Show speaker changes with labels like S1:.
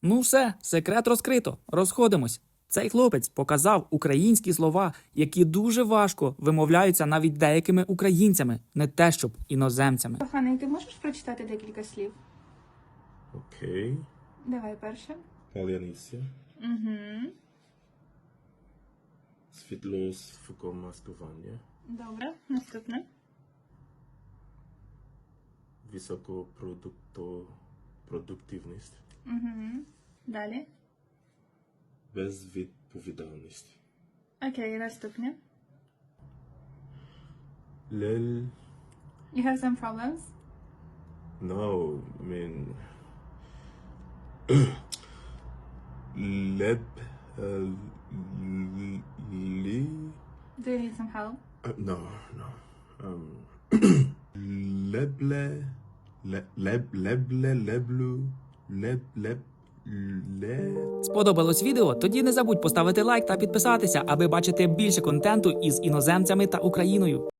S1: Ну все, секрет розкрито. Розходимось. Цей хлопець показав українські слова, які дуже важко вимовляються навіть деякими українцями, не те щоб іноземцями.
S2: Коханий, ти можеш прочитати декілька слів?
S3: Окей.
S2: Давай перше.
S3: Паляниця.
S2: Угу.
S3: Світло маскування.
S2: Добре, наступне.
S3: Високопродуктивність.
S2: Угу. Далі.
S3: Безвідповідальність.
S2: Окей, наступне.
S3: Лель.
S2: You have some problems?
S3: No, I mean. Leb. Li.
S2: Do you need some help?
S3: No, no. Leble. Lebleu. Leb.
S1: Сподобалось відео? Тоді не забудь поставити лайк та підписатися, аби бачити більше контенту із іноземцями та Україною.